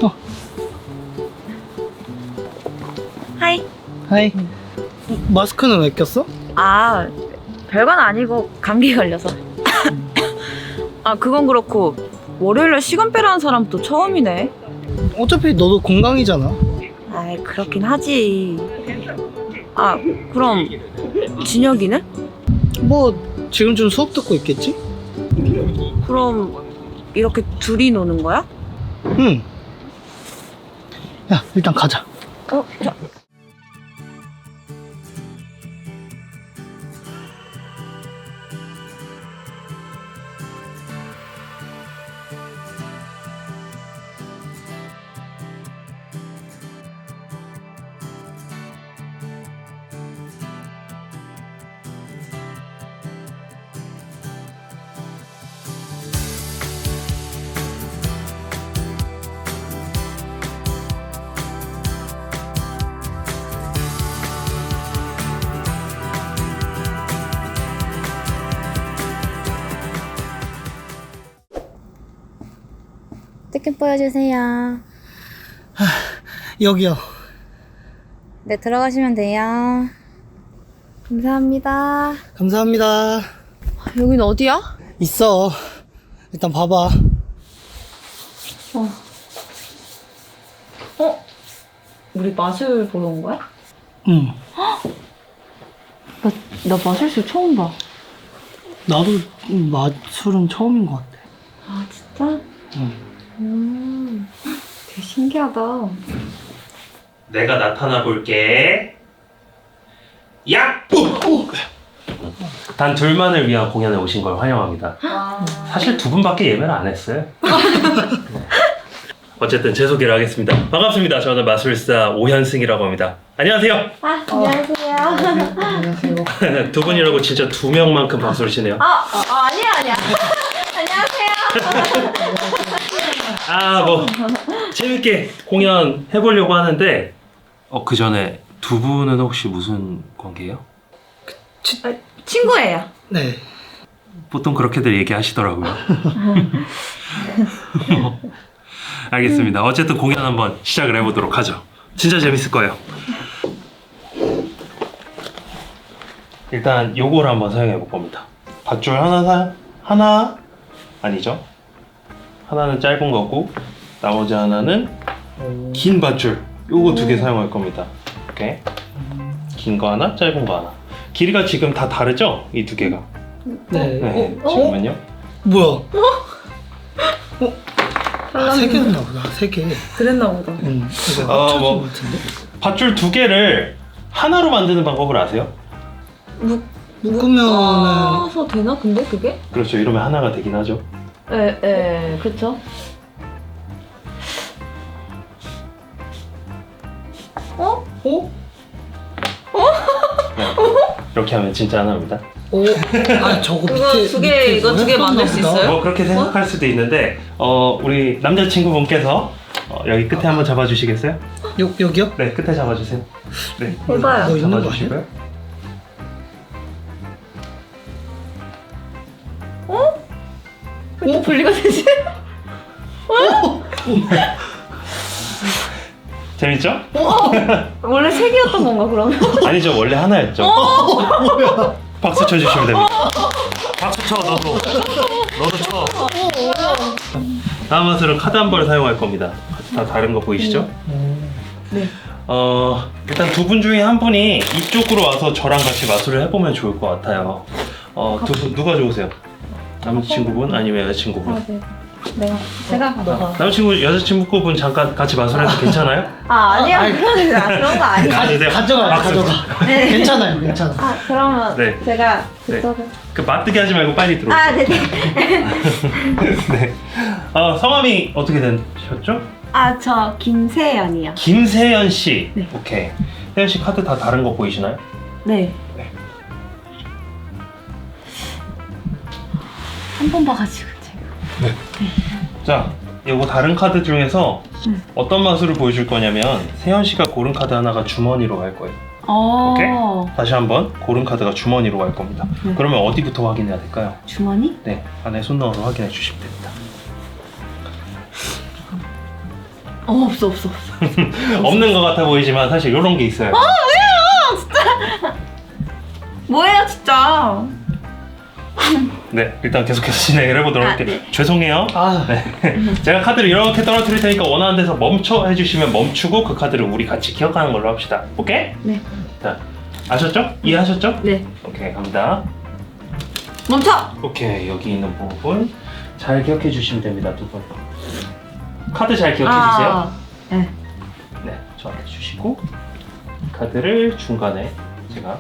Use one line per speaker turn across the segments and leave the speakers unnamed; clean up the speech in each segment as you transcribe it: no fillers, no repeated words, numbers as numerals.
하이.
하이. 마스크는 왜 꼈어?
아, 별건 아니고 감기 걸려서. 아, 그건 그렇고 월요일날 시간 빼라는 사람도 처음이네.
어차피 너도 건강이잖아.
아이, 그렇긴 하지. 아, 그럼 진혁이는?
뭐 지금쯤 수업 듣고 있겠지?
그럼 이렇게 둘이 노는 거야?
응. 야, 일단 가자.
자.
티켓 보여주세요.
여기요.
네, 들어가시면 돼요. 감사합니다.
감사합니다.
여긴 어디야?
있어. 일단 봐봐.
우리 마술 보러 온 거야?
응.
나 마술쇼 처음 봐.
나도 마술은 처음인 것 같아.
아, 진짜?
응.
되게 신기하다.
내가 나타나 볼게. 야! 단 둘만을 위한 공연에 오신 걸 환영합니다. 사실 두 분밖에 예매를 안 했어요. 어쨌든 제 소개를 하겠습니다. 반갑습니다. 저는 마술사 오현승이라고 합니다. 안녕하세요.
아, 안녕하세요.
안녕하세요.
두 분이라고 진짜 두 명만큼 박수를 치네요.
아니야. 안녕하세요.
뭐 재밌게 공연 해보려고 하는데 그 전에 두 분은 혹시 무슨 관계예요?
친구예요.
네.
보통 그렇게들 얘기하시더라고요. 알겠습니다. 어쨌든 공연 한번 시작을 해보도록 하죠. 진짜 재밌을 거예요. 일단 요거를 한번 사용해 볼 겁니다. 밧줄 하나 아니죠? 하나는 짧은 거고 나머지 하나는 긴 밧줄. 요거 두 개 사용할 겁니다. 이렇게 긴 거 하나, 짧은 거 하나. 길이가 지금 다 다르죠? 이 두 개가.
네.
네. 잠깐만요.
뭐야? 세 개였나 보다. 세 개.
그랬나 보다.
응. 이거 합쳐진
뭐.
것 같은데?
밧줄 두 개를 하나로 만드는 방법을 아세요?
묶으면은
묶어서 되나 근데 그게?
그렇죠. 이러면 하나가 되긴 하죠.
그렇죠.
어?
네. 이렇게 하면 진짜 하나입니다.
오. 아, 저거
그거
밑에
두 개,
밑에
이거 두 개
뭐였었나
만들 수
보다.
있어요?
뭐 그렇게 생각할 수도 있는데 우리 남자친구분께서 여기 끝에 한번 잡아주시겠어요?
여기요?
네, 끝에 잡아주세요. 네,
해봐요.
너 있는 거 아니야?
잡아주시고요.
왜 또 분리가 되지?
재밌죠?
원래 세 개였던 건가 그러면?
아니죠, 원래 하나였죠. 박수 쳐주시면 됩니다. 박수 쳐, 너도 쳐. 다음 마술은 카드 한 벌을 사용할 겁니다. 다 다른 거 보이시죠?
네.
일단 두 분 중에 한 분이 이쪽으로 와서 저랑 같이 마술을 해보면 좋을 것 같아요. 두 분 누가 좋으세요? 남자친구분 아니면 여자친구분?
네. 제가 너가.
남자친구, 여자친구분 잠깐 같이 마술해도 괜찮아요?
아니야. 그런 거 아니야.
가주세요. 박수.
네.
괜찮아요, 괜찮아.
그러면
네.
제가
네. 그 맞뜨기 하지 말고 빨리 들어오세요.
네네.
네. 성함이 어떻게 되셨죠?
저 김세연이요.
김세연 씨.
네.
오케이. 세연 씨 카드 다 다른 거 보이시나요?
네. 한 번 봐가지고 제가.
자, 이거 다른 카드 중에서 어떤 마술을 보여줄 거냐면 세연 씨가 고른 카드 하나가 주머니로 갈 거예요. 오케이? 다시 한번 고른 카드가 주머니로 갈 겁니다.
네.
그러면 어디부터 확인해야 될까요?
주머니?
네, 안에 손 넣어서 확인해 주시면 됩니다.
없어.
없는 것 같아 보이지만 사실 이런 게 있어요.
뭐예요, 진짜?
네, 일단 계속해서 진행을 해보도록 할게요.
네.
죄송해요.
아,
네. 제가 카드를 이렇게 떨어뜨릴 테니까 원하는 데서 멈춰 해주시면 멈추고 그 카드를 우리 같이 기억하는 걸로 합시다. 오케이?
네.
자, 아셨죠? 이해하셨죠?
네.
오케이, 갑니다.
멈춰!
오케이, 여기 있는 부분 잘 기억해 주시면 됩니다, 두 분. 카드 잘 기억해 주세요.
네.
네, 저한테 주시고 카드를 중간에 제가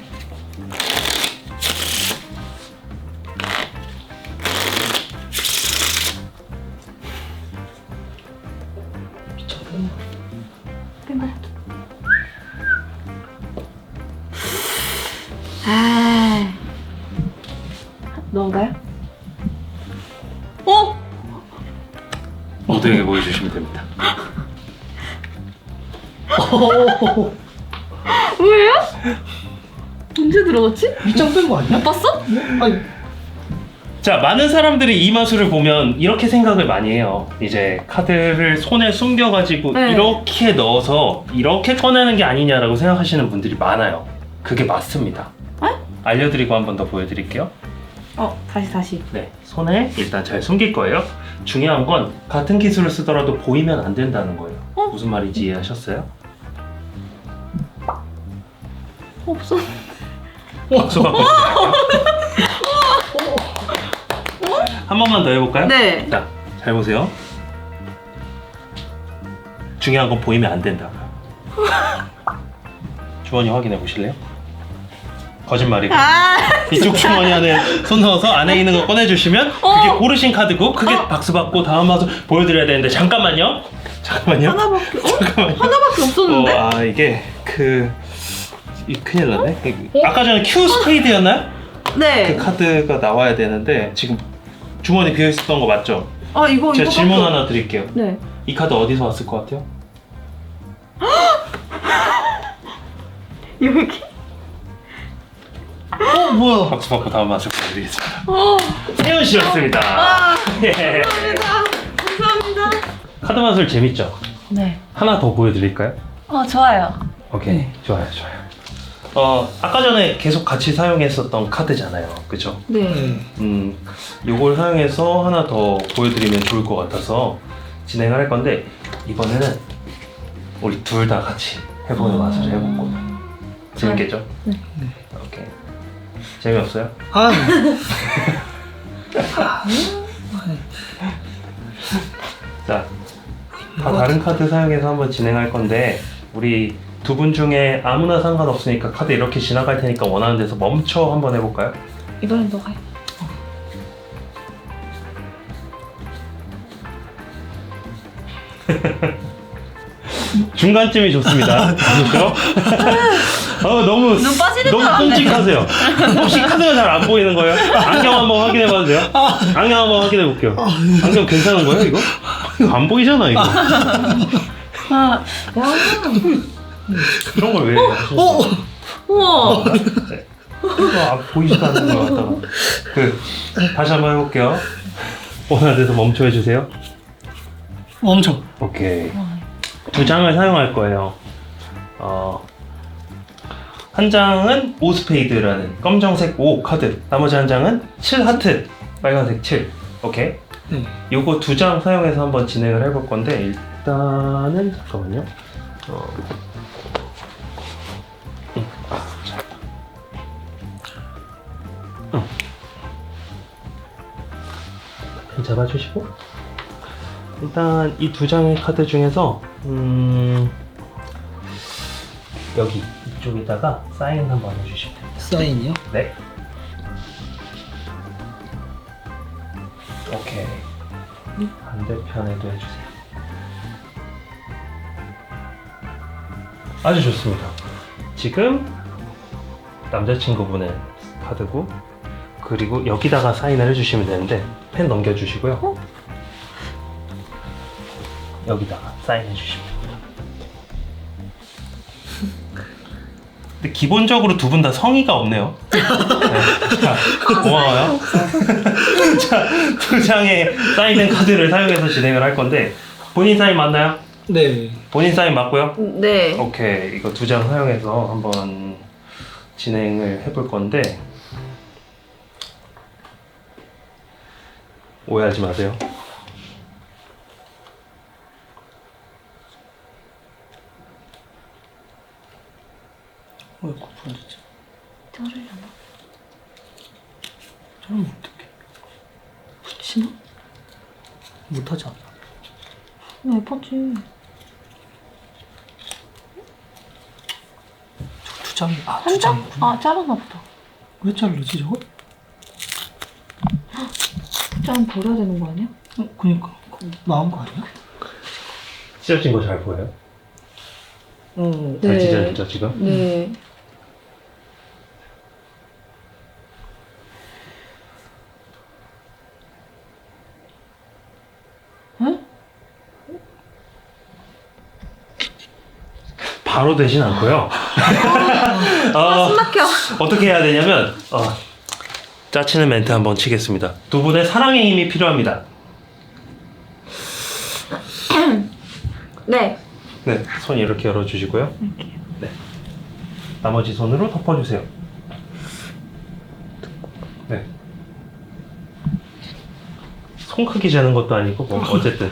아, 너인가요? 어?
모두에게 보여주시면 됩니다.
뭐예요? 언제 들어갔지?
밑장 뺀 거 아니야?
못 봤어?
아니,
자, 많은 사람들이 이 마술을 보면 이렇게 생각을 많이 해요. 이제 카드를 손에 숨겨가지고
네.
이렇게 넣어서 이렇게 꺼내는 게 아니냐라고 생각하시는 분들이 많아요. 그게 맞습니다. 알려드리고 한 번 더 보여드릴게요.
다시.
네, 손에 일단 잘 숨길 거예요. 중요한 건 같은 기술을 쓰더라도 보이면 안 된다는 거예요. 무슨 말인지 이해하셨어요?
없어.
박수 받고 시작할게요. 한 번만 더 해볼까요?
네.
자, 잘 보세요. 중요한 건 보이면 안 된다. 주머니 확인해 보실래요? 거짓말이고. 이쪽 주머니 안에 손 넣어서 안에 있는 거 꺼내주시면 그게 고르신 카드고 그게 박수 받고 다음 마술 보여드려야 되는데 잠깐만요.
하나밖에 없었는데?
이게 큰일 났네. 아까 전에 Q 스페이드였나요?
네.
그 카드가 나와야 되는데 지금 주머니 비어 있었던 거 맞죠?
이거
제가 질문 하나 드릴게요.
네.
이 카드 어디서 왔을 것 같아요?
여기.
뭐야?
박수 받고 다음 맛을 보여드리겠습니다. 세윤 씨였습니다. 예.
감사합니다.
카드 마술 재밌죠?
네.
하나 더 보여드릴까요?
좋아요.
오케이,
네.
좋아요. 아까 전에 계속 같이 사용했었던 카드잖아요, 그죠?
네.
네.
요걸 사용해서 하나 더 보여드리면 좋을 것 같아서 진행을 할 건데 이번에는 우리 둘 다 같이 해보는 마술을 해볼 거예요. 재밌겠죠?
네.
오케이. 재미없어요?
아,
자, 다 다른 카드 사용해서 한번 진행할 건데 우리 두 분 중에 아무나 상관없으니까 카드 이렇게 지나갈 테니까 원하는 데서 멈춰 한번 해볼까요?
이번엔 너가 해.
중간쯤이 좋습니다. 그렇죠? 너무
눈 빠지는 줄
너무
알았네.
끔찍하세요. 혹시 카드가 잘 안 보이는 거예요? 안경 한번 확인해봐도 돼요? 안경 한번 확인해 볼게요. 안경 괜찮은 거예요, 이거? 이거 안 보이잖아, 이거. 그런 걸 왜 하셨어요?
우와.
이거 보이지도 않는 거 같다가. 다시 한번 해볼게요. 원하는 데서 멈춰 해주세요.
멈춰.
오케이. 두 장을 사용할 거예요. 한 장은 5 스페이드라는 검정색 5 카드, 나머지 한 장은 7 하트, 빨간색 7. 오케이.
네.
요거 두 장 사용해서 한번 진행을 해볼 건데 일단은 잠깐만요. 자. 펜 잡아주시고 일단 이 두 장의 카드 중에서 여기 이쪽에다가 사인 한번 해주시면 됩니다.
사인이요?
네. 오케이. 반대편에도 해주세요. 아주 좋습니다. 지금 남자친구분의 카드고 그리고 여기다가 사인을 해주시면 되는데 펜 넘겨주시고요. 여기다가 사인해 주시면 됩니다. 근데 기본적으로 두 분 다 성의가 없네요. 네. 자, 고마워요. 자, 두 장의 사인된 카드를 사용해서 진행을 할 건데 본인 사인 맞나요?
네.
본인 사인 맞고요?
네.
오케이. 이거 2장 사용해서 한번 진행을 해볼 건데 오해하지 마세요.
왜 고프는지?
자르려나?
저러면 어떡해?
붙이나?
못하지 않아?
왜 예뻤지?
두 장이 두
한 장?
장이구나.
아, 자르나 보다.
왜 자르지 저거?
짠 버려야 되는 거 아니야?
그니까 나온 거 아니야?
찢어진 거 잘 보여요?
어.
잘
네.
찢어졌죠 지금?
네. 응?
바로 되진 않고요.
숨 막혀.
어떻게 해야 되냐면 짜치는 멘트 한번 치겠습니다. 두 분의 사랑의 힘이 필요합니다.
네.
네, 손 이렇게 열어주시고요. 네, 나머지 손으로 덮어주세요. 네. 손 크기 재는 것도 아니고 뭐 어쨌든.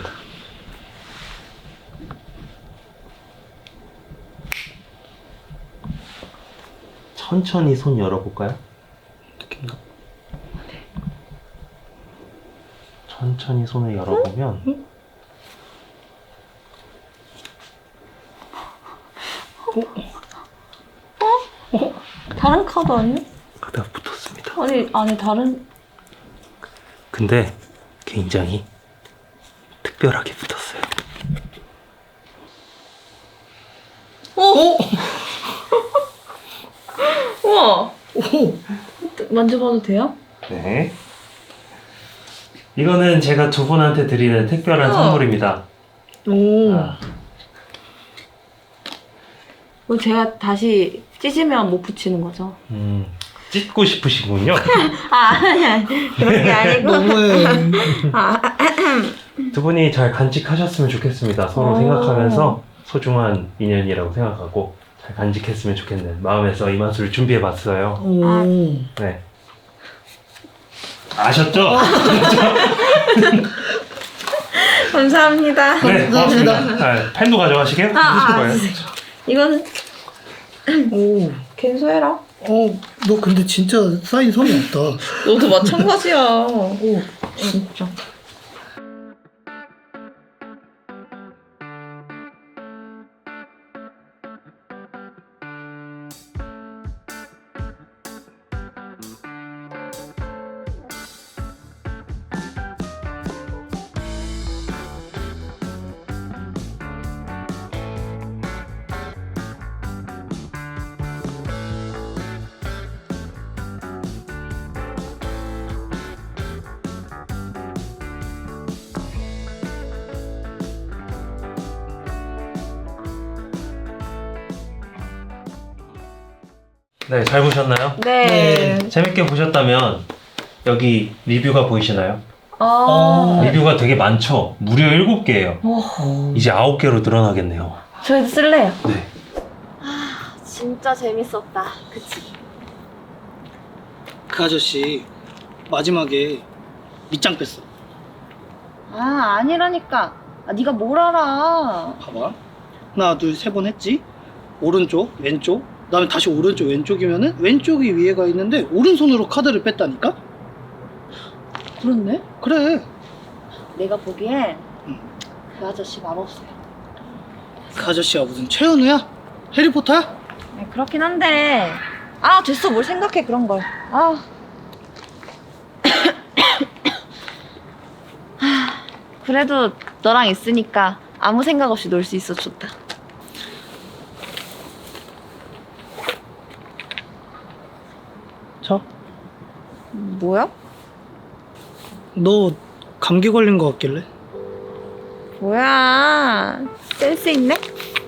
천천히 손 열어볼까요?
느낌가?
천천히 손을 열어보면
다른 카드 아니야?
가다가 붙었습니다.
아니, 안에 다른.
근데 굉장히 특별하게 붙었어요.
오! 우와!
오!
만져봐도 돼요?
네. 이거는 제가 두 분한테 드리는 특별한 선물입니다.
오!
아,
이거 제가 다시 찢으면 못 붙이는 거죠?
찢고 싶으시군요.
아니, 그런 게 아니고.
너무해.
아,
두 분이 잘 간직하셨으면 좋겠습니다. 서로
오.
생각하면서 소중한 인연이라고 생각하고 잘 간직했으면 좋겠는 마음에서 이 맛을 준비해봤어요.
오.
아.
네. 아셨죠?
감사합니다.
네, 고맙습니다. 펜도 가져가시게요?
이거는
오.
캔소해라.
너 근데 진짜 사인 성이 없다.
너도 마찬가지야.
오.
진짜.
네, 잘 보셨나요?
네.
재밌게 보셨다면 여기 리뷰가 보이시나요?
아.
리뷰가 되게 많죠? 무려 7개예요. 이제 9개로 늘어나겠네요.
저희도 쓸래요.
네.
진짜 재밌었다. 그치?
그 아저씨 마지막에 밑장 뺐어.
아, 아니라니까. 아, 네가 뭘 알아.
봐봐. 하나, 둘, 세 번 했지? 오른쪽, 왼쪽, 그 다음에 다시 오른쪽, 왼쪽이면은 왼쪽이 위에가 있는데 오른손으로 카드를 뺐다니까?
그렇네?
그래.
내가 보기엔
응.
그 아저씨 맛없어요.
그 아저씨가 무슨 최현우야? 해리포터야?
그렇긴 한데. 아, 됐어. 뭘 생각해, 그런 걸. 아. 그래도 너랑 있으니까 아무 생각 없이 놀 수 있어 좋다.
자,
뭐야?
너 감기 걸린 거 같길래?
뭐야? 센스 있네?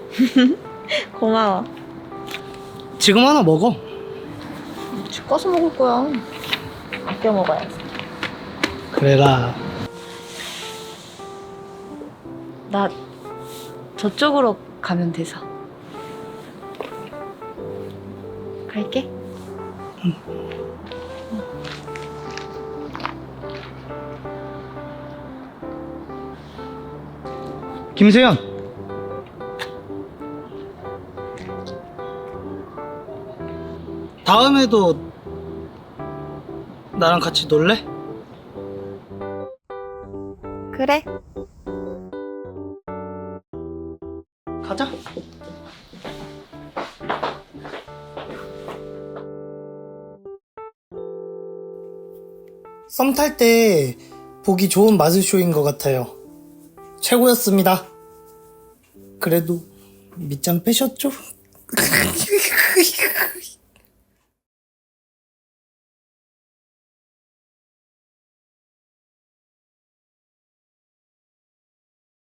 고마워.
지금 하나 먹어.
집 가서 먹을 거야. 아껴 먹어야지.
그래라.
나 저쪽으로 가면 돼서. 갈게.
김세연. 다음에도 나랑 같이 놀래?
그래.
가자. 썸 탈 때 보기 좋은 마술쇼인 것 같아요. 최고였습니다. 그래도 밑장 빼셨죠?